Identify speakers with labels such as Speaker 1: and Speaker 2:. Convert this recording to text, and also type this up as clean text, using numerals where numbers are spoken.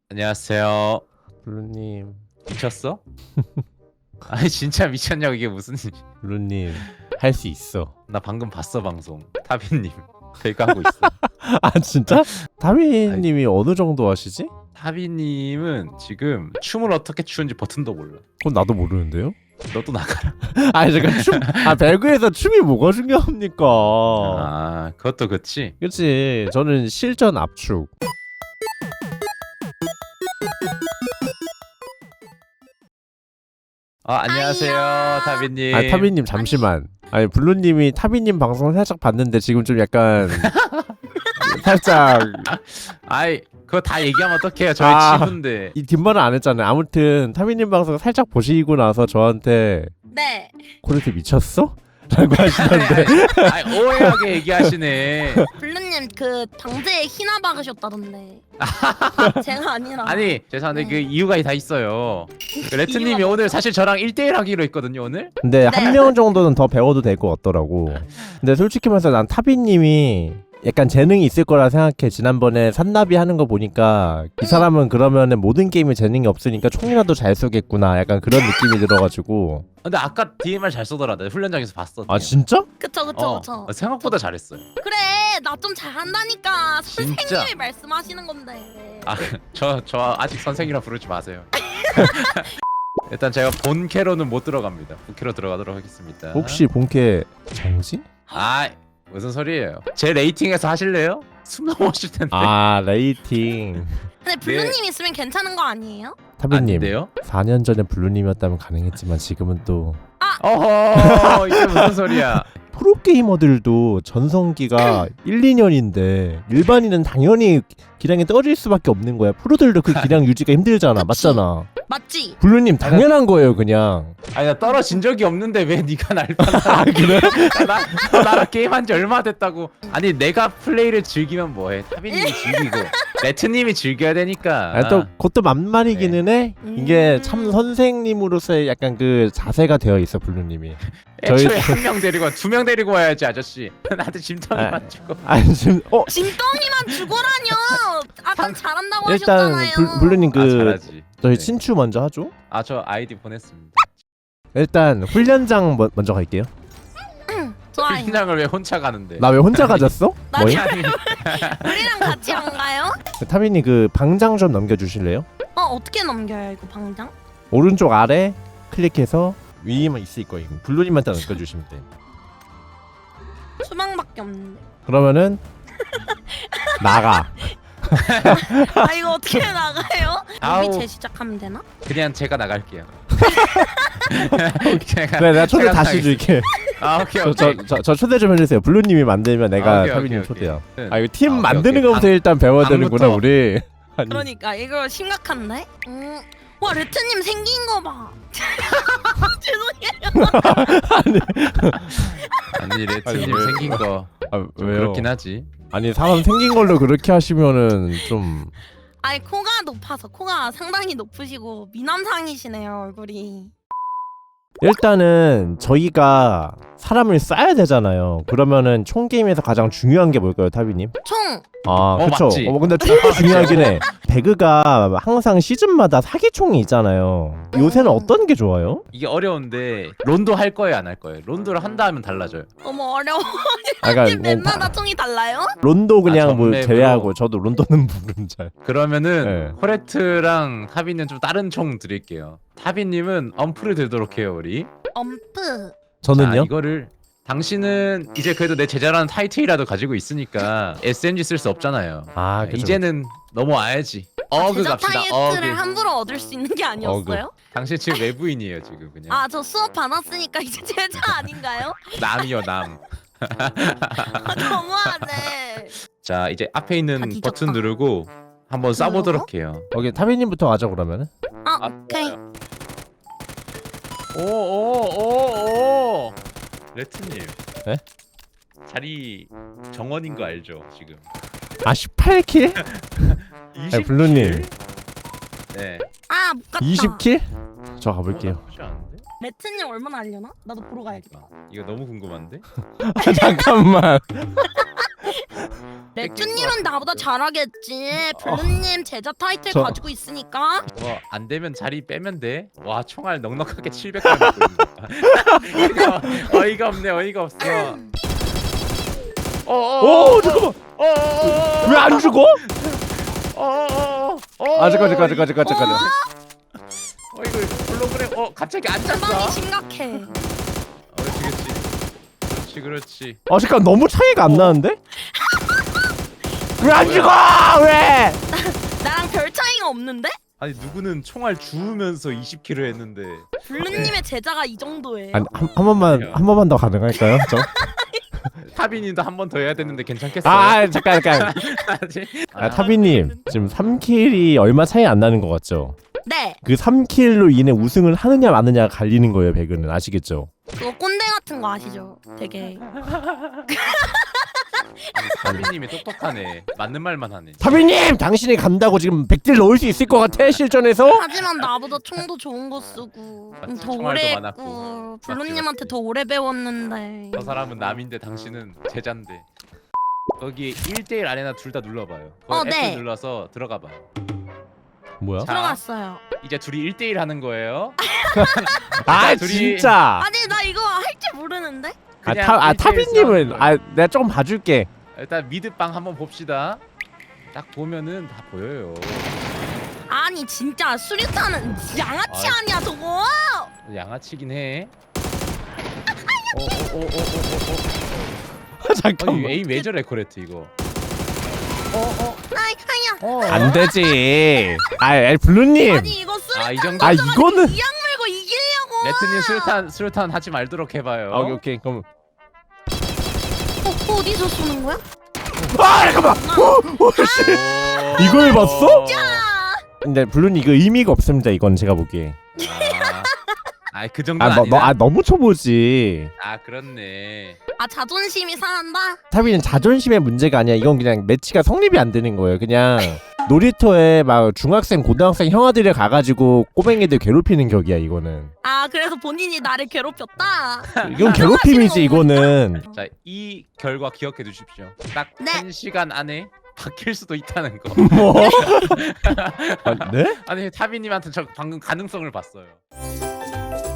Speaker 1: 안녕하세요.
Speaker 2: 블루님,
Speaker 1: 미쳤어? 아니 진짜 미쳤냐고 이게 무슨 일?
Speaker 2: 블루님 할 수 있어.
Speaker 1: 나 방금 봤어 방송. 타빈님 배그 하고 있어.
Speaker 2: 아 진짜? 타미님이 어느 정도 하시지?
Speaker 1: 타빈님은 지금 춤을 어떻게 추는지 버튼도 몰라.
Speaker 2: 그건 나도 모르는데요.
Speaker 1: 너도 나가라.
Speaker 2: 아니 잠깐 배그에서 춤이 뭐가 중요합니까?
Speaker 1: 아 그것도 그치.
Speaker 2: 그치. 저는 실전 압축.
Speaker 1: 안녕하세요
Speaker 3: 아이야.
Speaker 1: 타빈님.
Speaker 2: 아 타미님 잠시만. 아니 블루님이 타미님 방송을 살짝 봤는데 지금 좀 약간 살짝
Speaker 1: 아이 그거 다 얘기하면 어떡해요. 저희
Speaker 2: 아.
Speaker 1: 친구인데.
Speaker 2: 이 뒷말은 안 했잖아요. 아무튼 타미님 방송을 살짝 보시고 나서 저한테
Speaker 3: 네.
Speaker 2: 코르트 미쳤어? 라고 하시던데.
Speaker 1: 아이 오해하게 얘기하시네.
Speaker 3: 블루님 그 방제에 희나 박으셨다던데. 제가 아니라.
Speaker 1: 아니 죄송한데
Speaker 3: 네.
Speaker 1: 그 이유가 다 있어요. 그 레트님이 오늘 사실 저랑 1대1 하기로 했거든요 오늘.
Speaker 2: 근데
Speaker 3: 네.
Speaker 2: 한 명 정도는 더 배워도 될 것 같더라고. 근데 솔직히 말해서 난 타비님이 약간 재능이 있을 거라 생각해. 지난번에 산나비 하는 거 보니까 이 사람은 그러면은 모든 게임에 재능이 없으니까 총이라도 잘 쏘겠구나. 약간 그런 느낌이 들어가지고.
Speaker 1: 근데 아까 DMR 잘 쏘더라. 내가 훈련장에서 봤어.
Speaker 2: 아 진짜?
Speaker 3: 그쵸 그쵸 그쵸.
Speaker 1: 생각보다 잘했어요.
Speaker 3: 그래 나 좀 잘한다니까.
Speaker 1: 진짜?
Speaker 3: 선생님이 말씀하시는 건데.
Speaker 1: 저 아직 선생이라 부르지 마세요. 일단 제가 본 캐로는 못 들어갑니다. 부캐로 들어가도록 하겠습니다.
Speaker 2: 혹시 본캐 정지?
Speaker 1: 무슨 소리예요? 제 레이팅에서 하실래요? 숨 넘어오실 텐데.
Speaker 2: 아 레이팅.
Speaker 3: 근데 블루님 있으면 괜찮은 거 아니에요?
Speaker 2: 타비님
Speaker 1: 아닌데요?
Speaker 2: 4년 전에 블루님이었다면 가능했지만 지금은 또
Speaker 1: 어허 이게 무슨 소리야?
Speaker 2: 프로게이머들도 전성기가 1, 2년인데 일반인은 당연히 기량이 떨어질 수밖에 없는 거야. 프로들도 그 기량 유지가 힘들잖아.
Speaker 3: 그치.
Speaker 2: 맞잖아.
Speaker 3: 맞지?
Speaker 2: 블루님 당연한 거예요 그냥.
Speaker 1: 아니 나 떨어진 적이 없는데 왜 네가 날 판단해?
Speaker 2: 그래?
Speaker 1: 나랑 게임한 지 얼마 됐다고. 아니 내가 플레이를 즐기면 뭐해? 타빈님이 즐기고 레트님이 즐겨야 되니까.
Speaker 2: 아, 또 그것도 만만이기는 해. 이게 참 선생님으로서의 약간 그 자세가 되어 있어 블루님이.
Speaker 1: 애초에
Speaker 2: 저희-
Speaker 1: 한 명 데리고 두 명 데리고 와야지 아저씨. 나한테
Speaker 2: 아.
Speaker 1: 짐덩이만 주고.
Speaker 2: 아니 지금
Speaker 3: 진덩이만 죽어라뇨. 아까 잘한다고
Speaker 2: 일단
Speaker 3: 하셨잖아요.
Speaker 2: 블루님 그
Speaker 1: 잘하지.
Speaker 2: 저희
Speaker 1: 네.
Speaker 2: 친추 먼저 하죠.
Speaker 1: 저 아이디 보냈습니다.
Speaker 2: 일단 훈련장 먼저 갈게요.
Speaker 3: 좋아요.
Speaker 1: 훈장을 왜 혼자 가는데?
Speaker 2: 나 왜 혼자 가졌어?
Speaker 3: 나
Speaker 2: 뭐임?
Speaker 3: 우리랑 같이 안 가요?
Speaker 2: 타비님 그 방장 좀 넘겨주실래요?
Speaker 3: 어떻게 넘겨요 이거 방장?
Speaker 2: 오른쪽 아래 클릭해서 위에만 있을 거예요. 블루님만 딱 넘겨주시면 돼.
Speaker 3: 수망밖에 없는데.
Speaker 2: 그러면은 나가.
Speaker 3: 아 이거 어떻게 나가요?
Speaker 1: 아우.
Speaker 3: 여기 재시작하면 되나?
Speaker 1: 그냥 제가 나갈게요. 제가,
Speaker 2: 그래 내가 초대
Speaker 1: 제가
Speaker 2: 다시
Speaker 1: 나가겠습니다.
Speaker 2: 줄게.
Speaker 1: 오케이 오케이.
Speaker 2: 저 초대 좀 해주세요. 블루님이 만들면 내가
Speaker 1: 오케이,
Speaker 2: 타비님
Speaker 1: 오케이,
Speaker 2: 초대야.
Speaker 1: 오케이.
Speaker 2: 아 이거 팀
Speaker 1: 오케이,
Speaker 2: 만드는
Speaker 1: 오케이.
Speaker 2: 거부터 일단 배워야 되는구나
Speaker 1: 방부터.
Speaker 2: 우리. 아니,
Speaker 3: 그러니까 이거 심각한데? 와 레트님 생긴 거 봐. 죄송해요.
Speaker 1: 아니 레트님
Speaker 2: 아니, 왜-
Speaker 1: 생긴 거
Speaker 2: 아,
Speaker 1: 좀
Speaker 2: 왜요?
Speaker 1: 그렇긴 하지.
Speaker 2: 아니 사람 생긴 걸로 그렇게 하시면은 좀
Speaker 3: 아니 코가 높아서 코가 상당히 높으시고 미남상이시네요 얼굴이.
Speaker 2: 일단은 저희가 사람을 쏴야 되잖아요. 그러면은 총 게임에서 가장 중요한 게 뭘까요, 타비님?
Speaker 3: 총.
Speaker 2: 아, 그쵸.
Speaker 1: 맞지.
Speaker 2: 근데 총도 중요하긴 해. 배그가 항상 시즌마다 사기총이 있잖아요. 요새는 어떤 게 좋아요?
Speaker 1: 이게 어려운데 론도 할 거예요 안 할 거예요? 론도를 한다 하면 달라져요.
Speaker 3: 너무 어려워.
Speaker 2: 아, 그러니까
Speaker 3: 맵마다 총이 달라요?
Speaker 2: 론도 그냥 뭐
Speaker 1: 전맵으로.
Speaker 2: 제외하고 저도 론도는 모름 잘.
Speaker 1: 그러면은
Speaker 2: 네.
Speaker 1: 코레트랑 타비는 좀 다른 총 드릴게요. 타비님은 엄프를 들도록 해요 우리.
Speaker 3: 엄프.
Speaker 2: 저는요?
Speaker 1: 이거를 당신은 이제 그래도 내 제자라는 타이틀이라도 가지고 있으니까 SMG 쓸 수 없잖아요.
Speaker 2: 아, 그쵸.
Speaker 1: 이제는 넘어와야지. 어그
Speaker 3: 제작
Speaker 1: 갑시다.
Speaker 3: 타이틀을
Speaker 1: 어그.
Speaker 3: 함부로 얻을 수 있는 게 아니었어요?
Speaker 1: 당신 지금 외부인이에요 지금 그냥.
Speaker 3: 아 저 수업 받았으니까 이제 제자 아닌가요?
Speaker 1: 남이요 남.
Speaker 3: 너무하네.
Speaker 1: 자 이제 앞에 있는
Speaker 3: 아, 뒤졌다.
Speaker 1: 버튼 누르고 한번 쏴보도록 해요.
Speaker 2: 오케이, 타비님부터 가자 그러면은.
Speaker 3: 아 오케이.
Speaker 1: 오오오오 레트님.
Speaker 2: 네?
Speaker 1: 자리 정원인 거 알죠 지금?
Speaker 2: 아, 18킬?
Speaker 1: 20
Speaker 2: 블루님.
Speaker 1: 네.
Speaker 3: 아 못 갔다.
Speaker 2: 20킬? 저 가볼게요.
Speaker 1: 나쁘지 않은데?
Speaker 3: 레트님 얼마나 알려나? 나도 보러 가야겠다.
Speaker 1: 이거 너무 궁금한데?
Speaker 2: 잠깐만.
Speaker 3: 레트님은 나보다 잘하겠지. 블루님 제자 타이틀
Speaker 2: 저-
Speaker 3: 가지고 있으니까.
Speaker 1: 뭐 안 되면 자리 빼면 돼. 와 총알 넉넉하게 700발 먹고 있는 거야. 어이가 없네. 어이가 없어.
Speaker 2: 오 잠깐만 왜 안 죽어? 아 잠깐.
Speaker 1: 이거 홀로그램 갑자기 앉았어.
Speaker 3: 상당히 심각해.
Speaker 1: 그렇지.
Speaker 2: 아 잠깐 너무 차이가 안 나는데? 왜 안 죽어? 왜?
Speaker 3: 나랑 별 차이가 없는데?
Speaker 1: 아니 누구는 총알 주우면서 20킬을 했는데.
Speaker 3: 블루님의 제자가 이 정도예요.
Speaker 2: 아니 한 번만 더 가능할까요? 저?
Speaker 1: 타비님도 한 번 더 해야 되는데 괜찮겠어요?
Speaker 2: 아 잠깐.
Speaker 1: 아직?
Speaker 2: 타비님 지금 3킬이 얼마 차이 안 나는 것 같죠?
Speaker 3: 네,
Speaker 2: 그 3킬로 인해 우승을 하느냐 마느냐가 갈리는 거예요. 배그는 아시겠죠?
Speaker 3: 그거 꼰대 같은 거 아시죠? 되게.
Speaker 1: 타비님이 똑똑하네. 맞는 말만 하네.
Speaker 2: 타비님 당신이 간다고 지금 100딜 넣을 수 있을 것 같아 실전에서?
Speaker 3: 하지만 나보다 총도 좋은 거 쓰고
Speaker 1: 맞지,
Speaker 3: 더
Speaker 1: 총알도
Speaker 3: 오래
Speaker 1: 많았고.
Speaker 3: 했고
Speaker 1: 맞지,
Speaker 3: 블루님한테
Speaker 1: 맞지.
Speaker 3: 더 오래 배웠는데.
Speaker 1: 저 사람은 남인데 당신은 제자인데. 거기 1대1 아레나 둘 다 눌러봐요. 거기
Speaker 3: 네.
Speaker 1: F 눌러서 들어가봐요.
Speaker 2: 뭐야?
Speaker 1: 자,
Speaker 3: 들어갔어요.
Speaker 1: 이제 둘이 1대1 하는 거예요.
Speaker 2: 아
Speaker 1: 둘이-
Speaker 2: 진짜.
Speaker 3: 아니 나 이거 할 줄 모르는데?
Speaker 1: 그냥
Speaker 2: 타비님은
Speaker 1: 1대1 싸우는
Speaker 2: 내가 좀 봐줄게.
Speaker 1: 일단 미드빵 한번 봅시다. 딱 보면은 다 보여요.
Speaker 3: 아니 진짜 수류탄은 양아치
Speaker 1: 아.
Speaker 3: 아니야 저거?
Speaker 1: 양아치긴 해.
Speaker 2: 잠깐만.
Speaker 1: 에임 왜 저래 코레트 이거.
Speaker 3: 아야.
Speaker 2: 안 되지. 블루님.
Speaker 3: 아니 이거 수류탄
Speaker 1: 이 정도.
Speaker 2: 이거는.
Speaker 3: 이악 물고 이기려고.
Speaker 1: 레트님 수류탄 하지 말도록 해봐요.
Speaker 2: 오케이 그럼.
Speaker 3: 어디서 쏘는 거야?
Speaker 2: 잠깐만. 이걸 봤어? 근데 블루님 이거 의미가 없습니다. 이건 제가 보기에.
Speaker 1: 그 정도는 아니다.
Speaker 2: 너무 쳐보지.
Speaker 1: 그렇네.
Speaker 3: 자존심이 상한다.
Speaker 2: 타비는 자존심의 문제가 아니야. 이건 그냥 매치가 성립이 안 되는 거예요. 그냥 놀이터에 막 중학생, 고등학생 형아들이 가가지고 꼬맹이들 괴롭히는 격이야. 이거는.
Speaker 3: 그래서 본인이 나를 괴롭혔다.
Speaker 2: 이건 괴롭힘이지. 이거는.
Speaker 1: 자, 이 결과 기억해 두십시오. 딱
Speaker 3: 네.
Speaker 1: 1시간 안에 바뀔 수도 있다는 거.
Speaker 2: 뭐? 네?
Speaker 1: 아니 타비님한테 저 방금 가능성을 봤어요.